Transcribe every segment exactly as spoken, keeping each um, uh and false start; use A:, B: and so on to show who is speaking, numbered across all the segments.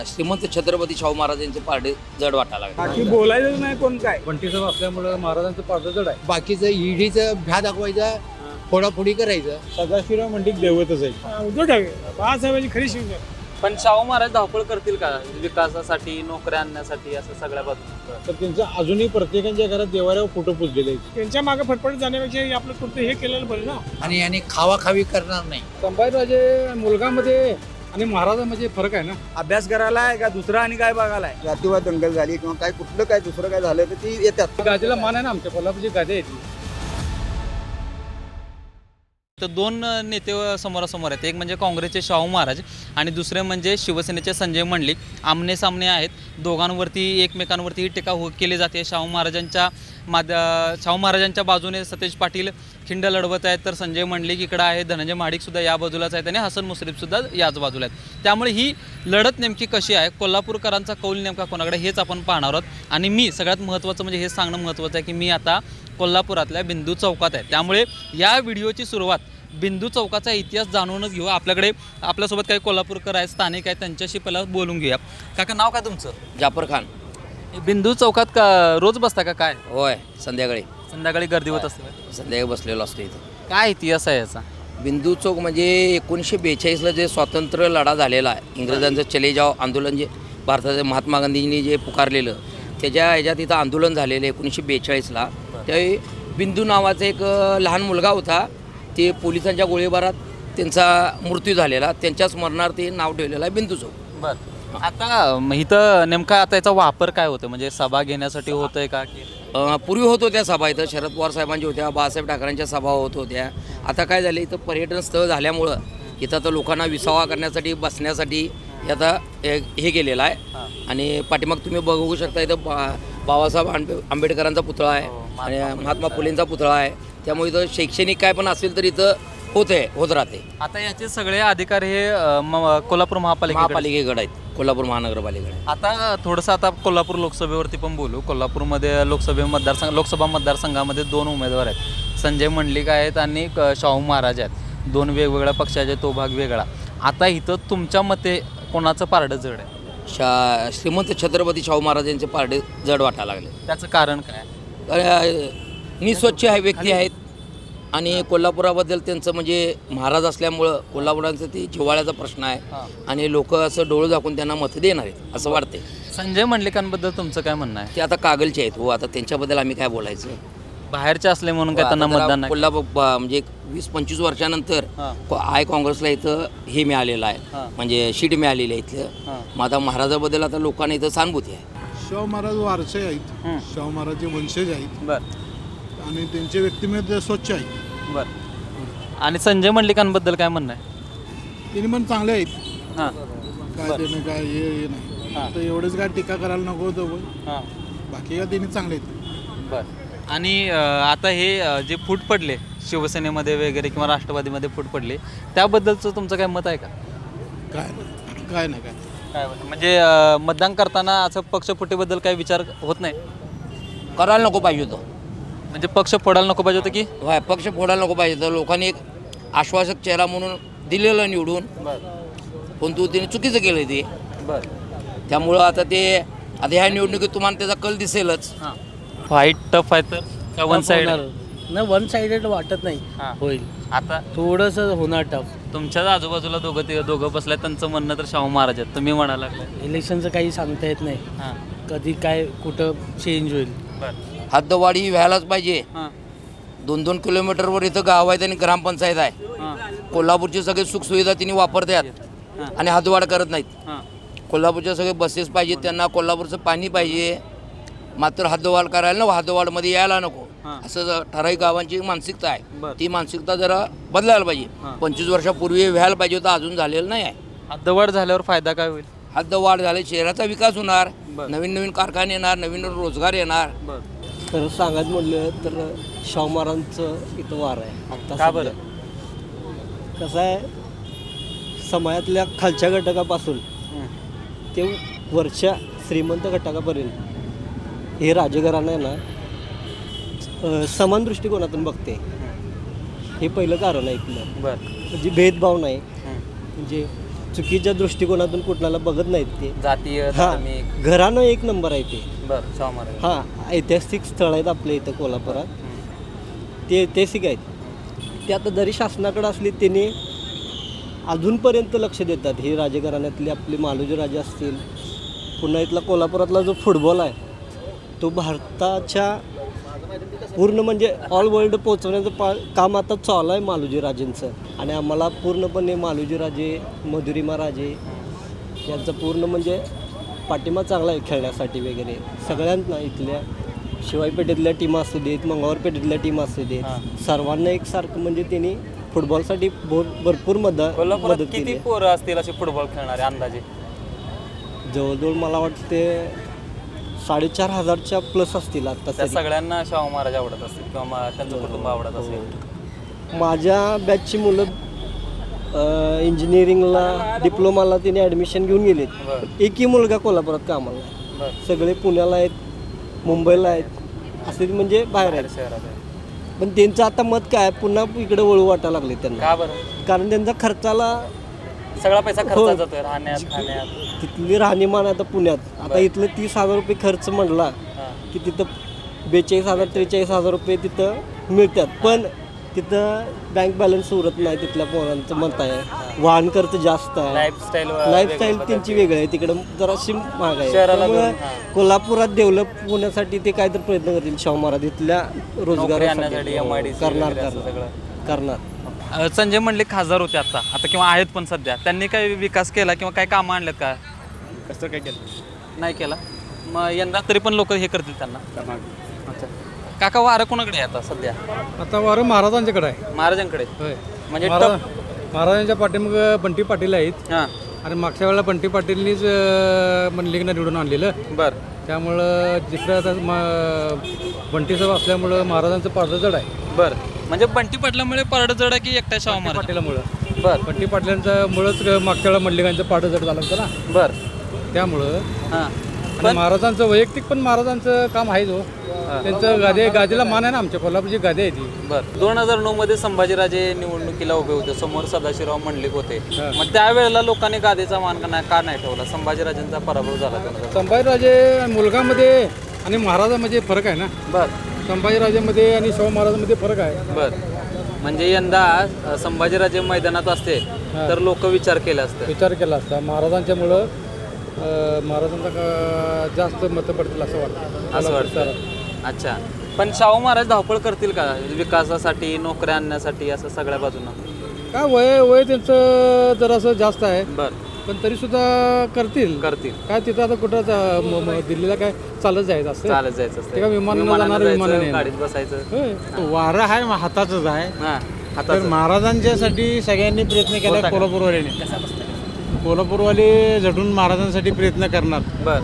A: श्रीमंत छत्रपती शाहू महाराजांचे पारडे जड वाटायला लागले.
B: बाकी बोलायचं नाही कोण काय.
C: पंटीसभ असल्यामुळे महाराजांचं पारडं जड आहे.
D: बाकीचं ईडीचं भ्या दाखवायचा, फोडाफोडी करायचं.
B: सदाशिवराव म्हणजे देवतच आहे. उद्धव ठाकरे बाळासाहेबांची खरी शिवसेना.
E: पण शाहू महाराज धावपळ करतील का विकासासाठी, नोकऱ्या आणण्यासाठी, असं सगळ्या बाजून?
B: तर त्यांचं अजूनही प्रत्येकाच्या घरात देवाऱ्यावर फोटो पुजलेले आहेत. त्यांच्या मागे फटफट जाण्यापेक्षा हे आपलं कुठं हे केलेलं बरं ना.
D: आणि याने खावाखावी करणार नाही.
C: संभाजीराजे मुलगामध्ये आणि महाराजांमध्ये फरक आहे ना.
B: अभ्यास करायला आहे का दुसरा आणि काय बघायला आहे.
F: जातीवाद दंगल झाली किंवा काय कुठलं काय दुसरं काय झालं तर ती येतात.
C: गादीला मान आहे ना, आमच्या कोल्हापूरची गादी आहे ती.
E: तर दोन नेते समोरासमोर आहेत. एक म्हणजे काँग्रेसचे शाहू महाराज आणि दुसरे म्हणजे शिवसेनेचे संजय मंडलिक. आमने सामने आहेत. दोघांवरती एकमेकांवरती टीका हो केली जाते. शाहू महाराजांच्या माद शाहू महाराजांच्या बाजूने सतेज पाटील खिंड लढवत आहेत, तर संजय मंडलिक इकडं आहे, धनंजय महाडिकसुद्धा या बाजूलाच आहेत आणि हसन मुश्रीफसुद्धा याच बाजूला आहेत. त्यामुळे ही लढत नेमकी कशी आहे, कोल्हापूरकरांचा कौल नेमका कोणाकडे, हेच आपण पाहणार आहोत. आणि मी सगळ्यात महत्त्वाचं म्हणजे हे सांगणं महत्त्वाचं आहे की मी आता कोल्हापुरातल्या बिंदू चौकात आहे. त्यामुळे या व्हिडिओची सुरुवात बिंदू चौकाचा इतिहास जाणूनच घेऊ. आपल्याकडे आपल्यासोबत काही कोल्हापूरकर आहेत, स्थानिक आहेत, त्यांच्याशी पहिला बोलून घेऊया. काका, नाव काय तुमचं?
A: जाफर खान.
E: बिंदू चौकात का रोज बसता का काय?
A: होय, संध्याकाळी
E: संध्याकाळी गर्दी होत असते?
A: संध्याकाळी बसलेलो असतो इथं.
E: काय इतिहास आहे याचा?
A: बिंदू चौक म्हणजे एकोणीसशे बेचाळीसला जे स्वातंत्र्य लढा झालेला आहे, इंग्रजांचं चले जाव आंदोलन, जे भारताचे महात्मा गांधींनी जे पुकारलेलं, त्याच्या ह्याच्यात इथं आंदोलन झालेलं एकोणीसशे बेचाळीसला. त्यावेळी बिंदू नावाचा एक लहान मुलगा होता, ते पोलिसांच्या गोळीबारात त्यांचा मृत्यू झालेला, त्यांच्या स्मरणार्थ हे नाव ठेवलेलं आहे बिंदू चौक.
E: बरं. आता म इथं नेमका आता याचा वापर काय होतं, म्हणजे सभा घेण्यासाठी होतंय का?
A: अ, पूर्वी होत होत्या सभा इथं, शरद पवार साहेबांच्या होत्या, बाळासाहेब ठाकरेंच्या सभा होत होत्या. आता काय झालं, इथं पर्यटन स्थळ झाल्यामुळं इथं आता लोकांना विसावा करण्यासाठी, बसण्यासाठी हे आता हे केलेलं आहे. आणि पाठीमाग तुम्ही बघू शकता, इथं बा बाबासाहेब आंबे आंबेडकरांचा पुतळा आहे आणि महात्मा फुलेंचा पुतळा आहे. त्यामुळे इथं शैक्षणिक काय पण असेल तर इथं होत आहे, होत राहते.
E: आता याचे सगळे अधिकार हे अ, म- कोल्हापूर महापालिका
A: महापालिकेकडे आहेत, कोल्हापूर महानगरपालिकेकडे.
E: आता थोडंसं आता कोल्हापूर लोकसभेवरती पण बोलू. कोल्हापूरमध्ये लोकसभे मतदारसंघ लोकसभा मतदारसंघामध्ये दोन उमेदवार आहेत. संजय मंडलिक आहेत आणि क- शाहू महाराज आहेत. दोन वेगवेगळ्या पक्षाचे, तो भाग वेगळा. आता इथं तुमच्या मते कोणाचं पारडं जड आहे?
A: शा श्रीमंत छत्रपती शाहू महाराजांचे पारडे जड वाटायला लागले.
E: त्याचं कारण काय?
A: अ, निस्वच्छ आहे व्यक्ती आहेत आणि कोल्हापुराबद्दल त्यांचं म्हणजे महाराज असल्यामुळं कोल्हापुरांचं ते जिव्हाळ्याचा प्रश्न आहे आणि लोक असं डोळं झाकून त्यांना मतं देणार आहेत असं वाटते.
E: संजय मंडलिकांबद्दल तुमचं काय म्हणणं आहे?
A: ते आता कागलचे आहेत हो, आता त्यांच्याबद्दल आम्ही काय बोलायचं.
E: बाहेरचे असले म्हणून काय त्यांना
A: आता जरा
E: मतदान नाही?
A: कोल्हापूर ब- म्हणजे एक वीस पंचवीस वर्षानंतर को- आय काँग्रेसला इथं हे मिळालेलं आहे, म्हणजे शीट मिळालेली आहे इथलं. मग आता महाराजाबद्दल आता लोकांना इथं सहानुभूती आहे.
G: शाहू महाराज वारसे आहेत, शाहू महाराजचे वंशज आहेत
E: बरं
G: आणि त्यांचे व्यक्तिमत्व स्वच्छ आहे.
E: बरं. आणि संजय मंडलिकांबद्दल काय म्हणणं आहे?
G: त्यांनी पण चांगले आहेत.
E: हां
G: काय त्याने काय हे हे नाही, तर एवढंच काय टीका करायला नको होतं पण
E: हां
G: बाकी काय त्यांनी चांगले आहेत.
E: बरं. आणि अ, आता हे अ, जे फूट पडले शिवसेनेमध्ये वगैरे किंवा राष्ट्रवादीमध्ये फूट पडले, त्याबद्दलचं तुमचं काय मत आहे का?
G: काय नाही काय नाही काय
E: काय म्हणजे अ, मतदान करताना असं पक्षफुटीबद्दल काही विचार होत नाही?
A: करायला नको पाहिजे होतं,
E: म्हणजे पक्ष फोडायला नको पाहिजे होतं की?
A: व्हाय पक्ष फोडायला नको पाहिजे होतं. लोकांनी एक आश्वासक चेहरा म्हणून दिलेलं निवडून, पण तू त्याने चुकीचं केलं ते.
E: बरं.
A: त्यामुळं आता ते आता ह्या निवडणुकीत तुम्हाला त्याचा कल दिसेलच.
E: हां. फाईट टफ आहे तर वन साईड?
H: नाही, वन साइडेड वाटत नाही होईल.
E: आता
H: थोडंसं होणार टफ.
E: तुमच्याच आजूबाजूला दोघं ते दोघं बसल्या, त्यांचं म्हणणं तर शाहू महाराज आहेत, तुम्ही म्हणायला लागलाय.
H: इलेक्शनचं काही सांगता येत नाही,
E: हां
H: कधी काय कुठं चेंज होईल.
E: बरं.
A: हद्दवाढी व्हायलाच पाहिजे.
E: हां
A: दोन दोन किलोमीटरवर इथं गाव आहेत आणि ग्रामपंचायत आहे.
E: हां
A: कोल्हापूरची सगळी सुखसुविधा तिने वापरतात आणि हद्दवाढ करत नाहीत.
E: हां
A: कोल्हापूरच्या सगळे बसेस पाहिजेत, त्यांना कोल्हापूरचं पाणी पाहिजे, मात्र हद्दवाढ करायला नको, हद्दवाढमध्ये यायला नको, असं ज- ठराविक गावांची मानसिकता आहे. ती मानसिकता जरा बदलायला पाहिजे. पंचवीस वर्षापूर्वी व्हायला पाहिजे होतं, अजून झालेलं नाही आहे.
E: हद्दवाढ झाल्यावर फायदा काय होईल?
A: हद्दवाढ झाले, शहराचा विकास होणार, नवीन नवीन कारखाने येणार, नवीन रोजगार येणार.
H: तर सांगायचं म्हणलं तर शाहू महाराजांचं इथं वार आहे आता.
E: का बरं?
H: कसं आहे, समाजातल्या खालच्या घटकापासून ते वरच्या श्रीमंत घटकापर्यंत हे राजघराणं आहे ना अ, समान दृष्टिकोनातून बघते. हे पहिलं कारण आहे इथलं.
E: बरं.
H: म्हणजे भेदभाव नाही, म्हणजे चुकीच्या दृष्टिकोनातून कुठल्याला बघत नाहीत ते.
E: जातीय
H: हा
E: धार्मिक
H: घरानं एक नंबर आहे ते.
E: बरं शाहू महाराज
H: हां ऐतिहासिक स्थळ आहेत आपल्या इथं कोल्हापुरात, ते ऐतिहासिक आहेत. ते आता जरी शासनाकडे असली त्यांनी अजूनपर्यंत लक्ष देतात. हे राजघराण्यातले आपले मालोजी राजे असतील, पुन्हा इथला कोल्हापुरातला जो फुटबॉल आहे तो भारताच्या पूर्ण म्हणजे ऑल वर्ल्ड पोहोचवण्याचं पा काम आता चालू आहे मालोजी राजेंचं. आणि आम्हाला पूर्णपणे मालोजी राजे, मधुरिमा राजे यांचा पूर्ण म्हणजे पाठिंबा चांगला आहे खेळण्यासाठी वगैरे सगळ्यांना. इथल्या शिवाईपेठेतल्या टीम असू देत, मंगळवारपेठेतल्या टीम असू देत, सर्वांना एकसारखं म्हणजे त्यांनी फुटबॉलसाठी भर भरपूर मदत
E: कोल्हापुरात
H: मदत केली
E: किती
H: आहे.
E: पोरं असतील असे फुटबॉल खेळणारे अंदाजे?
H: जवळजवळ मला वाटते साडेचार हजारच्या प्लस असतील आता
E: त्या
H: तरी.
E: सगळ्यांना शाहू महाराज आवडत असतील किंवा मा- त्यांचं कुटुंब आवडत असेल.
H: माझ्या बॅचची मुलं इंजिनिअरिंगला डिप्लोमाला तिने ॲडमिशन घेऊन गेलेत.
E: बरं
H: एकही मुलगा कोल्हापुरात कामाला आहे.
E: बरं
H: सगळे पुण्याला आहेत, मुंबईला आहेत, असे म्हणजे बाहेर आहेत.
E: शहरात आहे.
H: पण त्यांचं आता मत काय आहे, पुन्हा इकडे वळू वाटायला लागले त्यांना.
E: का बरं?
H: कारण त्यांचा खर्चाला
E: सगळा पैसा
H: हो.
E: खर्चात जातोय राहण्यात खाण्यात.
H: तिथली राहणीमान आता पुण्यात आता इथलं तीस हजार रुपये खर्च म्हणला
E: हां.
H: की तिथं बेचाळीस हजार त्रेचाळीस हजार रुपये तिथं मिळतात. पण तिथं बँक बॅलन्स उरत नाही तिथल्या पोरांचं मत आहे. वाहन खर्च जास्त आहे,
E: लाईफस्टाईल
H: लाईफस्टाईल त्यांची वेगळी आहे, तिकडं जराशी महाग आहे.
E: शहराला
H: त्यामुळे
E: धरून, हां.
H: कोल्हापुरात डेव्हलप होण्यासाठी ते काहीतरी प्रयत्न करतील. शाहू महाराज इथल्या
E: नोकरी
H: रोजगारासाठी
E: आणण्यासाठी एम आय डी
H: करणार
E: सगळं
H: करणार करणार
E: अ, संजय मंडलिक खासदार होते आता आता किंवा आहेत पण सध्या, त्यांनी काही विकास केला किंवा काही कामं आणलेत का?
B: कसं काय केलं
E: नाही केला. मग यंदा तरी पण लोक हे करतील त्यांना. अच्छा काका वारं कोणाकडे आहे आता सध्या?
C: आता वारं महाराजांच्याकडे आहे.
E: महाराजांकडे
C: होय.
E: म्हणजे
C: महाराज
E: टप
C: महाराजांच्या पाठीमाग बंटी पाटील आहेत.
E: हां
C: आणि मागच्या वेळेला बंटी पाटीलनीच अं, मंडलिकनं निवडून आणलेलं.
E: बरं
C: त्यामुळं जिकडं आता म बंटी साहेब असल्यामुळं महाराजांचं पारडं जड आहे.
E: बरं म्हणजे बंटी पाटलामुळे परड जड आहे की एकट्या शाहू महाराज?
C: पाटीलामुळं
E: बरं
C: बंटी पाटलांचं मुळंच मागच्या वेळेला मंडलिकांचं पारडं जड झालं होतं ना,
E: बरं
C: त्यामुळं.
E: हां
C: आणि महाराजांचं वैयक्तिक पण महाराजांचं काम आहे. जो त्यांचं गादी गादीला मान आहे ना, आमच्या कोल्हापूरची गादी आहे ती.
E: बरं दोन हजार नऊ मध्ये संभाजीराजे निवडणुकीला उभे होते, समोर सदाशिवराव मंडलिक होते. मग त्यावेळेला लोकांनी गादीचा मान का नाही का नाही ठेवला? संभाजीराजेंचा पराभव झाला त्यांचा.
C: संभाजीराजे मुलगामध्ये आणि महाराजामध्ये फरक आहे ना.
E: बरं
C: संभाजीराजेमध्ये आणि शाहू महाराजांमध्ये फरक आहे.
E: बरं म्हणजे यंदा अ, संभाजीराजे मैदानात असते तर लोक विचार केले असते.
C: विचार केला असता महाराजांच्यामुळं अं, महाराजांचा का- जास्त मतं पडतील असं वाटतं
E: असं वाटतं. अच्छा पण शाहू महाराज धावपळ करतील का विकासासाठी, नोकऱ्या आणण्यासाठी, असं सगळ्या बाजूनं?
C: काय वय वय त्यांचं जरासं जास्त आहे,
E: बरं
C: पण तरी सुद्धा करतील
E: करतील.
C: काय तिथं आता कुठं जा- म- म- दिल्लीला काय चालत जायचं असतं.
E: चालत जायचं असतं.
C: ते काय विमानानं
E: विमानानं
C: जाणार,
E: जायचं,
C: विमानानं येणार.
E: गाडीत बसायचं.
C: होय.
B: वारं आहे हातातच आहे.
E: हां
B: तर
E: हातात
B: महाराजांच्यासाठी सगळ्यांनी प्रयत्न केला
E: होता का?
B: कोल्हापूरवाल्याने. कोल्हापूरवाले झटून महाराजांसाठी प्रयत्न करणार.
E: बरं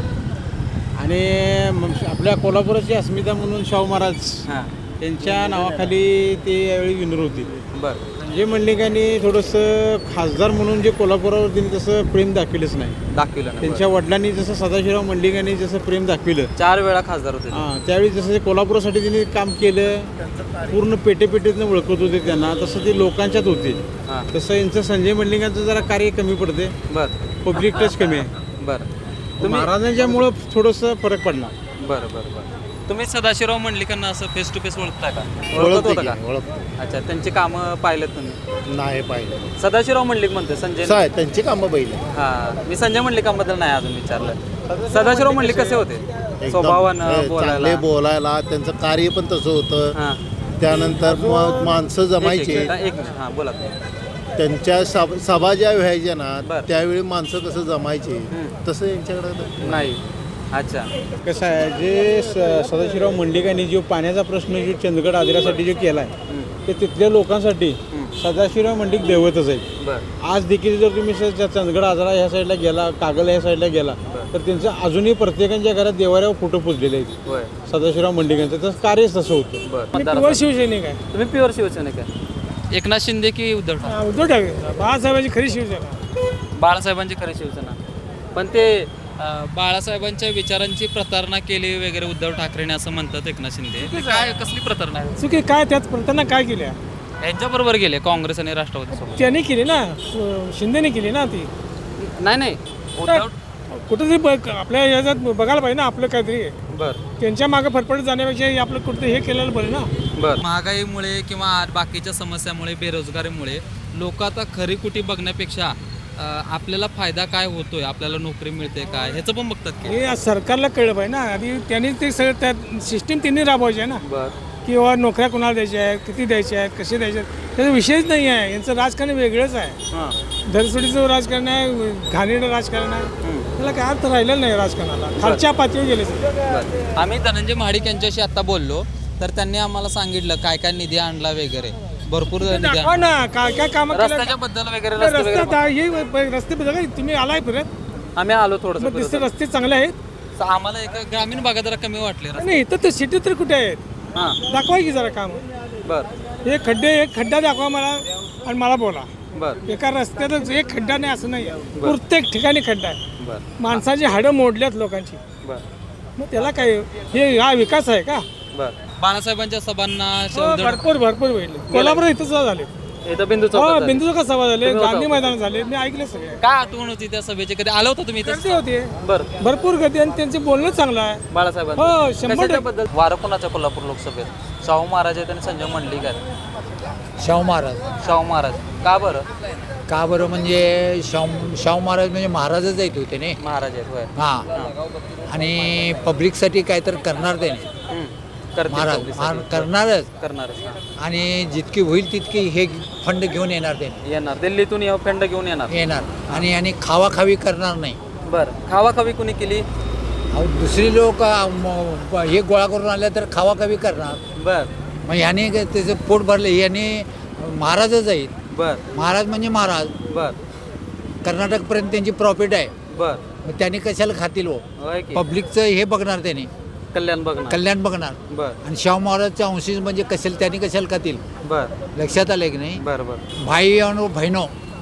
B: आणि मग आपल्या कोल्हापुराची अस्मिता म्हणून शाहू महाराज
E: हां
B: यांच्या नावाखाली ते यावेळी विनर होते.
E: बरं
B: संजय मंडलिकांनी थोडंसं खासदार म्हणून जे कोल्हापुरावर त्यांनी तसं प्रेम दाखविलंच नाही.
E: दाखविलं ना.
B: त्यांच्या वडिलांनी जसं सदाशिवराव मंडलिकांनी जसं प्रेम दाखविलं,
E: चार वेळा खासदार होते.
B: हां त्यावेळी जसं ते कोल्हापुरासाठी त्यांनी काम केलं, पूर्ण पेटेपेटेतनं ओळखत होते त्यांना, तसं ते लोकांच्यात होते.
E: हां
B: तसं यांचं संजय मंडलिकांचं जरा कार्य कमी पडते,
E: बरं
B: पब्लिक टच कमी आहे.
E: बरं
B: महाराजांच्यामुळं थोडंसं फरक पडला.
E: बरं बरं बरं तुम्ही सदाशिवराव मंडलिकांना असं फेस टू फेस ओळखता का? ओळखत होता का? अच्छा त्यांची कामं पाहिलेत तुम्ही?
D: नाही पाहिजे
E: सदाशिवराव मंडलिक म्हणते संजय.
D: साहेब त्यांची कामं बैल
E: हां मी संजय मंडलिकांबद्दल नाही अजून विचारलं. सदाशिवराव मंडलिक कसे होते? स्वभावानं
D: चांगले
E: बोलायला.
D: बोलायला त्यांचं कार्य पण तसं होतं.
E: हां
D: त्यानंतर मग माणसं
E: एक
D: जमायचे,
E: मिनिट, एक मिनिट हां बोला.
D: त्यांच्या सभ- सभा ज्या व्हायच्या ना
E: बरं.
D: त्यावेळी माणसं कसं जमायचे
E: हम्म.
D: तसं यांच्याकडे
E: नाही. अच्छा
B: कसं आहे, जे स सदाशिवराव मंडलिकांनी जो पाण्याचा प्रश्न जो चंदगड आदिरासाठी जो केला आहे ते तिथल्या लोकांसाठी सदाशिवराव मंडलिक देवतच आहे.
E: बरं
B: आज देखील जर तुम्ही स- च- चंदगड आजरा ह्या साईडला गेला, कागल ह्या साईडला गेला तर त्यांचं अजूनही प्रत्येकाच्या घरात देवाऱ्यावर फोटो पुजलेले आहेत
E: होय
B: सदाशिवराव मंडलिकांचं. तसं कार्यच तसं होतं.
E: बरं
B: प्युअर शिवसैनिक आहे.
E: तुम्ही प्युअर शिवसैनिक आहे? एकनाथ शिंदे की उद्धव ठाकरे?
B: उद्धव ठाकरे बाळासाहेबांची खरी शिवसेना.
E: बाळासाहेबांची खरी शिवसेना. पण ते अं, बाळासाहेबांच्या विचारांची प्रतारणा केली वगैरे उद्धव ठाकरेने असं म्हणतात एकनाथ शिंदे. ते काय कसली प्रतारणा आहे?
B: चुकी काय त्यात त्यांना काय केल्या
E: यांच्याबरोबर गेले काँग्रेस आणि राष्ट्रवादी सोबत.
B: त्यांनी केली ना, शिंदेने केली ना ती.
E: नाही नाही उद्धव
C: कुठेतरी ब- आपल्या याच्यात बघायला पाहिजे ना आपलं काहीतरी
E: बरं
C: त्यांच्या मागे फटफट जाण्यापेक्षा हे आपलं कुठेतरी हे केलेलं बरं ना.
E: बरं महागाईमुळे किंवा बाकीच्या समस्यामुळे बेरोजगारीमुळे लोक आता खरी कुठी बघण्यापेक्षा अ, आपल्याला फायदा काय होतोय, आपल्याला नोकरी मिळते काय ह्याचं पण बघतात की.
C: हे आज सरकारला कळलं पाहिजे ना. आधी त्यांनी ते सगळं त्या सिस्टीम त्यांनी राबवायची आहे ना,
E: बरं
C: की बाबा नोकऱ्या कुणाला द्यायच्या आहेत, किती द्यायच्या आहेत, कसे द्यायचे आहेत, त्याचा विषयच नाही आहे. यांचं राजकारण वेगळंच आहे.
E: हां
C: धरसोडीचं राजकारण आहे, घाणेरडं राजकारण आहे. त्याला काय अर्थ राहिलेला नाही राजकारणाला. खालच्या पातळीवर गेले सगळे.
E: बरं आम्ही धनंजय महाडिक यांच्याशी आता बोललो तर त्यांनी आम्हाला सांगितलं काय काय निधी आणला वगैरे भरपूर निधी
C: दाखवा
E: आणला.
C: ना काय काय कामं केलं.
E: रस्त्याच्या बद्दल वगैरे रस्ते वगैरे
C: रस्त्यात हे रस्ते बघा तुम्ही आलाय परत
E: आम्ही आलो थोडंसं
C: मग दिसते
E: फिरत.
C: रस्ते चांगले आहेत.
E: तर आम्हाला एक ग्रामीण भागात जरा कमी वाटले रस्ते.
C: नाही इथं तर सिटी तर कुठे आहेत
E: हां
C: दाखवा की जरा काम.
E: बरं
C: हे खड्डे एक खड्डा दाखवा मला आणि मला बोला.
E: बरं
C: एका रस्त्यातच एक खड्डा नाही असं नाही आहे. प्रत्येक ठिकाणी खड्डा आहे.
E: बरं
C: माणसाची हाडं मोडल्यात लोकांची.
E: बरं
C: मग त्याला काय हे हा विकास आहे का?
E: बरं बाळासाहेबांच्या सभांना
C: हो,
E: शेवदड-
C: भरपूर भरपूर वेळ कोल्हापूर इथं सुद्धा झाले.
E: इथं बिंदू
C: हो
E: चौकात झाले.
C: बिंदू का सभा झाले,
E: तुम्ही
C: गांधी
E: होता?
C: मैदान झाले, मी ऐकले सगळे.
E: काय आठवण होती त्या सभेची, कधी आलं होतं तुम्ही
C: गर्दी
E: इथं?
C: होती
E: बरं
C: भरपूर गर्दी आणि त्यांचे बोलणं चांगलं आहे.
E: बाळासाहेबांचं
C: हो शंभर टक्के.
E: बद्दल वारं कोणाच्या कोल्हापूर लोकसभेत शाहू महाराज आहेत आणि संजय मंडलिक आहेत.
I: शाहू महाराज.
E: शाहू महाराज का बरं?
I: का बरं म्हणजे शाहू शाहू महाराज म्हणजे महाराजच आहेत होते ने.
E: महाराज आहेत होय.
I: हां आणि पब्लिकसाठी काय तर करणार त्याने
E: हम्म. करतील
I: महाराज
E: publicity.
I: महाराज करणारच.
E: करणारच हां.
I: आणि जितकी होईल तितकी हे फंड घेऊन येणार त्याने
E: येणार दिल्लीतून या फंड घेऊन येणार.
I: येणार आणि आणि खावाखावी करणार नाही.
E: बरं खावाखावी कुणी केली?
I: अहो दुसरी लोक हे गोळा करून आले तर खावाखावी करणार.
E: बर
I: मग ह्याने काय त्याचं पोट भरले याने महाराजच आहेत.
E: बर
I: महाराज म्हणजे महाराज.
E: बर
I: कर्नाटकपर्यंत त्यांची प्रॉफिट आहे.
E: बर
I: मग त्याने कशाला खातील हो.
E: होय की
I: पब्लिकचं हे बघणार त्याने
E: कल्याण बघणार.
I: कल्याण बघणार.
E: बर
I: आणि शाहू महाराजच्या अंशीज म्हणजे कशाला त्यांनी कशाला खातील
E: बर
I: लक्षात आलं की नाही.
E: बर बर
I: भाई आणि बहिणो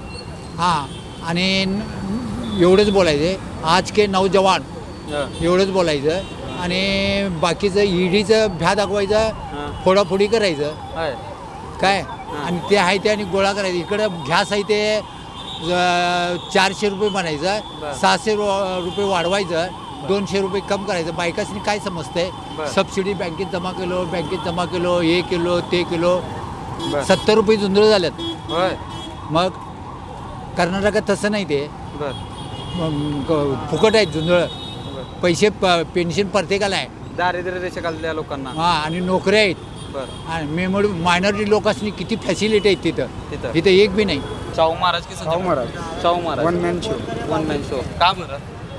I: हां आणि न- एवढंच बोलायचं आज के नौजवान
E: हां.
I: एवढंच बोलायचं आणि बाकीचं ईडीचं भ्या दाखवायचं
E: हां.
I: फोडाफोडी करायचं
E: होय.
I: काय आणि ते आहे ते आणि गोळा करायचं. इकडं घ्यास आहे ते अं, चारशे रुपये म्हणायचं
E: बरं.
I: सहाशे रु- रुपये वाढवायचं दोनशे रुपये कम करायचं. बायकासनी काय समजतंय
E: बरं.
I: सबसिडी बँकेत जमा केलो बँकेत जमा केलो हे केलो ते केलो
E: बरं.
I: सत्तर रुपये जुंदळ झाल्यात.
E: होय.
I: मग कर्नाटकात तसं नाही ते
E: बर
I: मग क- फुकट आहेत जुंदळ.
E: बर
I: पैसे प पेन्शन प्रत्येकाला आहे.
E: दारिद्र्य रेषेखालच्या लोकांना.
I: हां आणि नोकऱ्या आहेत.
E: बर
I: आणि मेमोरी मायनॉरिटी लोकांनी किती फॅसिलिटी आहेत तिथं
E: तिथं
I: तिथं एक बी नाही.
E: शाहू महाराज की Shahu Maharaj? Shahu Maharaj
B: one man show
E: one man show का बरं?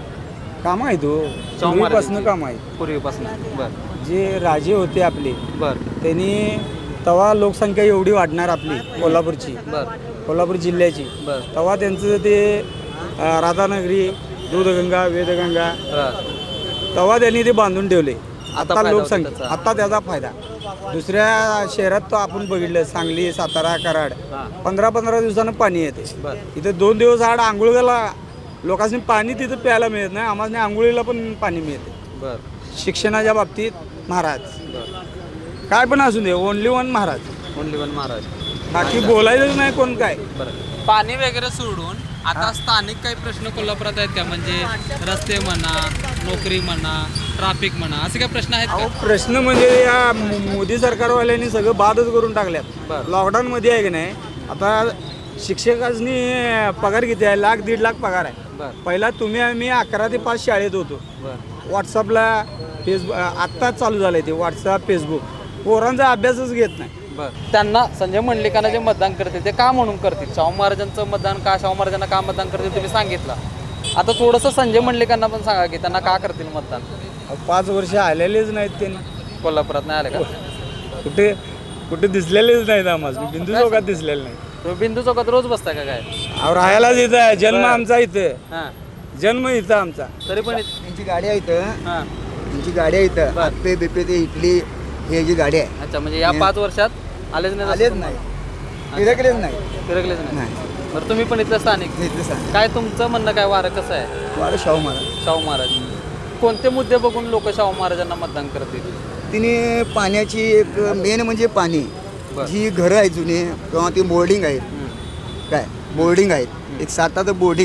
B: काम आहे तो
E: शाहू
B: पूर्वीपासून
E: महाराजांची.
B: काम आहे.
E: पूर्वीपासून बर
B: जे राजे होते आपले
E: बर
B: त्यांनी तेव्हा लोकसंख्या एवढी वाढणार आपली कोल्हापूरची
E: बर
B: कोल्हापूर जिल्ह्याची
E: बर
B: तेव्हा त्यांचं ते अं, राधानगरी दूधगंगा वेदगंगा
E: हा.
B: तेव्हा त्यांनी ते बांधून ठेवले. आता
E: फायदा होतो
B: लोकसंख्या
E: त्याचा.
B: आता त्याचा फायदा दुसऱ्या शहरात तो आपण बघितलं सांगली सातारा कराड
E: हा.
B: पंधरा पंधरा दिवसानं पाणी येते.
E: बर
B: इथं दोन दिवस आड आंघोळ घाला लोकांनी पाणी तिथं प्यायला मिळत नाही. आम्हाला आंघोळीला पण पाणी मिळते.
E: बर
B: शिक्षणाच्या बाबतीत महाराज
E: बर
B: काय पण असू दे only one Maharaj.
E: Only one Maharaj.
B: बाकी बोलायचं नाही कोण काय.
E: बरं पाणी वगैरे सोडून आता स्थानिक काही प्रश्न कोल्हापुरात आहेत का? म्हणजे रस्ते म्हणा नोकरी म्हणा ट्रॅफिक म्हणा असे काही प्रश्न आहेत
B: अहो
E: का?
B: प्रश्न म्हणजे या मो- मोदी सरकारवाल्यांनी सगळं बादच करून टाकल्यात.
E: बरं.
B: लॉकडाऊनमध्ये आहे की नाही आता शिक्षकांनी पगार किती आहे लाख दीड लाख पगार आहे.
E: बरं
B: पहिला तुम्ही आम्ही अकरा ते पाच शाळेत होतो.
E: बरं
B: व्हॉट्सअपला फेसबुक आत्ताच चालू झालं आहे ते व्हॉट्सअप फेसबुक पोरांचा अभ्यासच घेत नाही.
E: बरं त्यांना संजय मंडलिकांना जे मतदान करतील ते का म्हणून करतील? शाहू महाराजांचं मतदान का शाहू महाराजांना का मतदान करतील तुम्ही सांगितलं. आता थोडंसं संजय मंडलिकांना पण सांगा की त्यांना का करतील मतदान.
B: अहो, पाच वर्ष आलेलेच नाहीत त्यांनी
E: कोल्हापुरात नाही आले का?
B: कुठे कुठे दिसलेलेच नाहीत आम्हाला बिंदू चौकात दिसलेले नाही.
E: तुम्ही बिंदू चौकात रोज बसता का काय?
B: अहो राहायलाच इथं आहे जन्म
E: बरं.
B: आमचा इथं
E: हां
B: जन्म इथं आमचा.
E: तरी पण इत-
F: त्यांची गाडी आहे इथं
E: हां
F: त्यांची गाडी आहे इथं
E: बरं.
F: आप्पे बिप्पे ते इटली हे जी गाडी आहे
E: अच्छा म्हणजे या पाच वर्षात आलेच नाही
F: आलेच नाही फिरकलेच नाही
E: फिरकलेच नाही.
F: नाही
E: बरं तुम्ही पण इथलं स्थानिक
F: इथलं सांग
E: काय तुमचं म्हणणं काय वारं कसं आहे?
F: वारं शाहू महाराज
E: शाहू महाराज कोणते मुद्दे बघून लोक शाहू महाराजांना मतदान करतील?
F: तिने पाण्याची एक मेन म्हणजे पाणी
E: बरं.
F: जी घरं आहेत जुने किंवा ती बोर्डिंग आहेत
E: हं.
F: काय बोर्डिंग आहेत एक सात आठ बोर्डिंग आहेत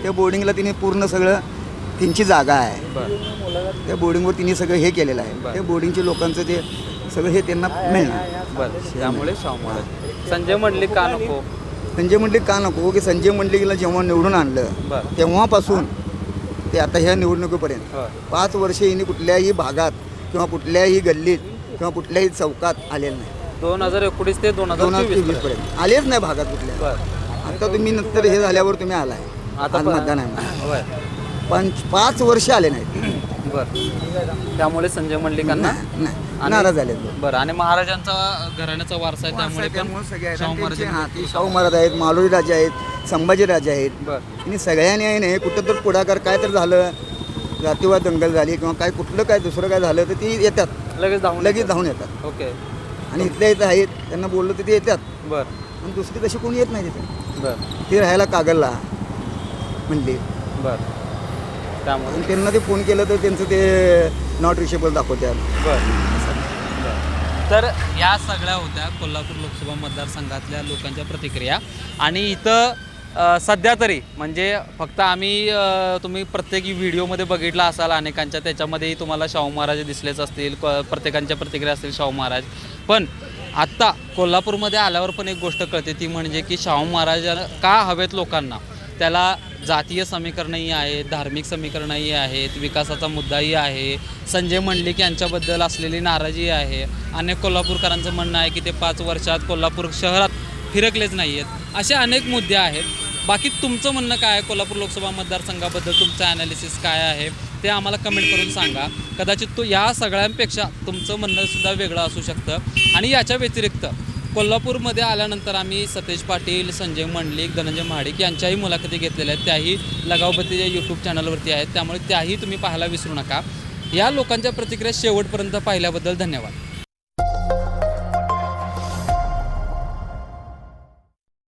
F: त्या बोर्डिंगला तिने पूर्ण सगळं त्यांची जागा आहे, त्या बोर्डिंगवर तिने सगळं हे केलेलं आहे. त्या बोर्डिंगच्या लोकांचं ते सगळं हे त्यांना मिळणार.
E: बरं, त्यामुळे शाहू महाराज. संजय मंडलिक का नको?
F: संजय मंडलिक का नको की संजय मंडलिकला जेव्हा निवडून आणलं
E: बरं.
F: तेव्हापासून ते आता ह्या निवडणुकीपर्यंत
E: होय.
F: पाच वर्षे यांनी कुठल्याही भागात किंवा कुठल्याही गल्लीत किंवा कुठल्याही चौकात आलेलं नाही.
E: दोन हजार एकोणीस ते दोन हजार
F: दोन हजार
E: चोवीस
F: तेवीस पर्यंत आलेच नाही भागात कुठल्या.
E: बरं.
F: आता तुम्ही नंतर हे झाल्यावर तुम्ही आलाय,
E: आता
F: आज
E: पण-
F: मतदान आहे म्हणून.
E: होय.
F: पंच पाच वर्ष आले नाहीत.
E: बरं, त्यामुळे संजय मंडलिकांना
F: नाही,
E: आणि-
F: नाराज झाले.
E: बरं. आणि महाराजांचा घराण्याचा वारसा आहे त्यामुळे पण शाहू महाराज.
F: ते शाहू महाराज आहेत, मालोजी राजे आहेत, संभाजी राजे आहेत.
E: बरं.
F: आणि सगळ्यांनी आहे नाही कुठं तर पुढाकार काय तर झालं, जातीवाद दंगल झाली किंवा काय कुठलं काय दुसरं काय झालं तर ती येतात,
E: लगेच धावून
F: लगेच धावून येतात.
E: ओके.
F: आणि इथल्या इथं आहेत त्यांना बोललं तर ते येतात.
E: बरं.
F: पण दुसरी तशी कोणी येत नाही तिथे.
E: बरं.
F: ते राहायला कागलला म्हणले,
E: बरं. त्यामुळे
F: आणि त्यांना ते फोन केलं तर त्यांचं ते नॉट रिचेबल दाखवतात.
E: तर या सगळ्या होत्या कोल्हापूर लोकसभा मतदारसंघातल्या लोकांच्या प्रतिक्रिया. आणि इथं अ, सध्या तरी म्हणजे फक्त आम्ही अ, तुम्ही प्रत्येक व्हिडिओमध्ये बघितला असाल अनेकांच्या, त्याच्यामध्येही तुम्हाला शाहू महाराज दिसलेच असतील, क प्रत्येकांच्या प्रतिक्रिया असतील शाहू महाराज. पण आत्ता कोल्हापूरमध्ये आल्यावर पण एक गोष्ट कळते ती म्हणजे की शाहू महाराज का हवेत लोकांना. त्याला जातीय समीकरणंही आहेत, धार्मिक समीकरणंही आहेत, विकासाचा मुद्दाही आहे, संजय मंडलिक यांच्याबद्दल असलेली नाराजी आहे. अनेक कोल्हापूरकरांचं म्हणणं आहे की ते पाच वर्षात कोल्हापूर शहरात फिरकलेच नाही आहेत. असे अनेक मुद्दे आहेत. बाकी तुमचं म्हणणं काय आहे कोल्हापूर लोकसभा मतदारसंघाबद्दल, तुमचं ॲनालिसिस काय आहे ते आम्हाला कमेंट करून सांगा. कदाचित तो या सगळ्यांपेक्षा तुमचं म्हणणंसुद्धा वेगळं असू शकतं. आणि याच्या व्यतिरिक्त कोल्हापूरमध्ये आल्यानंतर आम्ही सतेज पाटील, संजय मंडलिक, धनंजय महाडिक यांच्याही मुलाखती घेतलेल्या आहेत. त्याही लगावबत्तीच्या यूट्यूब चॅनलवरती आहेत, त्यामुळे त्याही तुम्ही पाहायला विसरू नका. या लोकांच्या प्रतिक्रिया शेवटपर्यंत पाहिल्याबद्दल धन्यवाद.